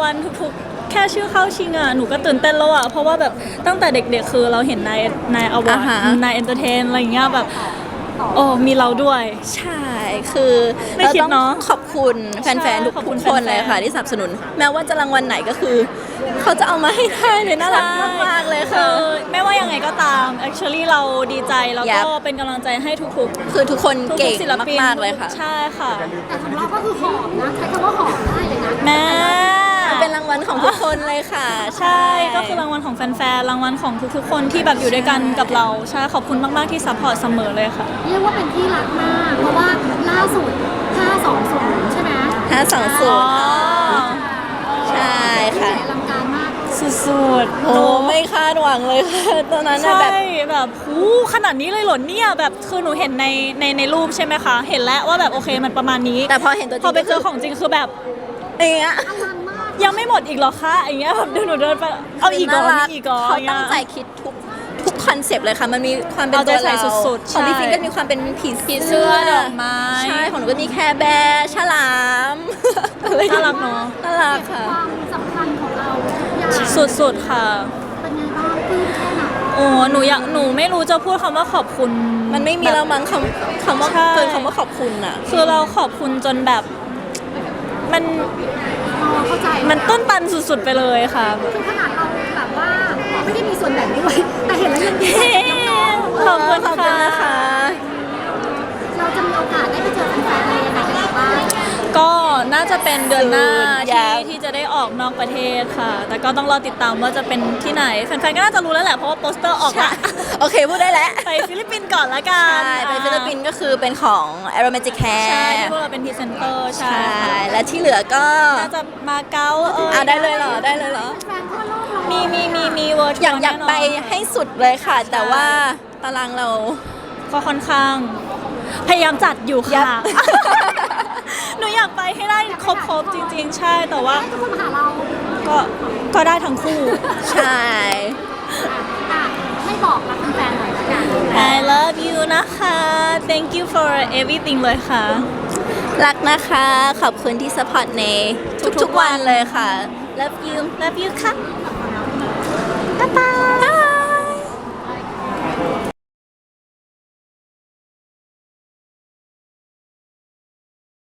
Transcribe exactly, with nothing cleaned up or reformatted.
วัลทุกๆแค่ชื่อเข้าชิงอ่ะหนูก็ตื่นเต้นแล้วอ่ะเพราะว่าแบบตั้งแต่เด็กๆคือเราเห็นนายนายอวอร์ดนายเอนเตอร์เทนอะไรอย่างเงี้ยแบบโอ้มีเราด้วยใช่คือไม่เราคิดต้องเนอะขอบคุณแฟนๆทุกขอบคุณคนเลยแฟนๆค่ะที่สนับสนุนแม้ว่าจะรางวัลไหนก็คือ เขาจะเอามาให้ได้เลยน่ารักมากๆเลยคืค่ะอไม่ว่ายังไงก็ตาม actually เราดีใจแล้วก็ Yep เป็นกำลังใจให้ทุกๆคือทุกคนทุกเก่งๆศิลปินมากๆเลยค่ะใช่ค่ะแต่ของเราก็คือหอมนะใช้คำว่าหอมได้เลยนะแม่มันเป็นรางวัลของทุกคนเลยค่ะใช่ก็คือรางวัลของแฟนๆรางวัลของทุกๆคนที่แบบอยู่ด้วยกันกับเราใช่ขอบคุณมากๆที่ซัพพอร์ตเสมอเลยค่ะเรียกว่าเป็นที่รักมาก เพราะว่าล่าสุดห้าสองศูนย์ใช่ไหมห้าสองศูนย์ใช่ค่ะอลังการมากสุดๆโอ้ไม่คาดหวังเลยค่ะตอนนั้นน่ะใช่แบบแบบหูขนาดนี้เลยเหรอเนี่ยแบบคือหนูเห็นในในในรูปใช่ไหมคะ เห็นแล้วว่าแบบโอเคมันประมาณนี้แต่พอเห็นตัวจริงพอไปเจอของจริงคือแบบเอย่างเงี้ยอลังมากยังไม่หมดอีกเหรอคะอย่างเงี้ยแบบเดินหนูเดินไปเอาอีกก่อนน่ารัมีอีกก่อนเขาตั้งใจคิดทุกทุกคอนเซปต์เลยค่ะ มันมีความเป็นเอาใจตัวใส่เราสุดๆของพี่ใช่ฟิงก็มีความเป็นผีผีเสื้อดอกไม้ใช่ของหนูก็มีแคร์แบร์ฉลามอะไรอย่งน่างี้ยรักเนาะน่ารักค่ะความสำคัญของเราอย่างสุดๆค่ะเป็นไงบ้างปลื้มแค่ไหนโอ้หนูอยากหนูไม่รู้จะพูดคำว่าขอบคุณมันไม่มีแบบแล้วมั้งคำคำว่าใช่เกินคำว่าขอบคุณอ่ะคือเราขอบคุณจนแบบมันอ๋อเข้าใจมันต้นตันสุดๆไปเลยค่ะคือขนาดเราแบบว่าไม่ได้มีส่วนแบ่งด้วย แต่เห็นแล้วยังดีใจน้องๆขอบคุณขอบคุณนะคะเราจะมีโอกาสได้ไปเจอแฟนๆอะไรยังไงกันบ้างก็น่าจะเป็นเดือนหน้าอที่ยากที่จะได้ออกนอกประเทศค่ะ แต่ก็ต้องรอติดตามว่าจะเป็นที่ไหนแฟนๆก็น่าจะรู้แล้วแหละเพราะว่าโปสเตอร์ออกละโอเคพูดได้แล้วไปฟิลิปปินส์ก่อนละกันใช่ไปฟิลิปปินส์ก็คือเป็นของ Aromatic ใช่ Hair ที่พวกเราเป็นพรีเซนเตอร์ใช่ใช่ค่ะและที่เหลือก็น่าจะมาเก๊าเอออ่ะได้เลยเหรอได้เลยเหรอแฟนทั่วโลกเรามีมีมีมีเวิร์ดอยากอยากไปให้สุดเลยค่ะ แต่ว่าตารางเราก็ค่อนข้าง พยายามจัดอยู่ยัค่ะบหนูอยากไปให้ได้ครบๆจริง ๆ ใช่แต่ว่าให้ทุกคนมาหาเราก็ก็ได้ทั้งคู่ใช่อ่ะให้บอกรักแฟนๆหน่อยละกัน I love you นะคะ thank you for everything เลยค่ะรักนะคะ ขอบคุณที่สปอร์ตในทุกๆวันเลยค่ะ love you love you ค่ะบ๊ายบาย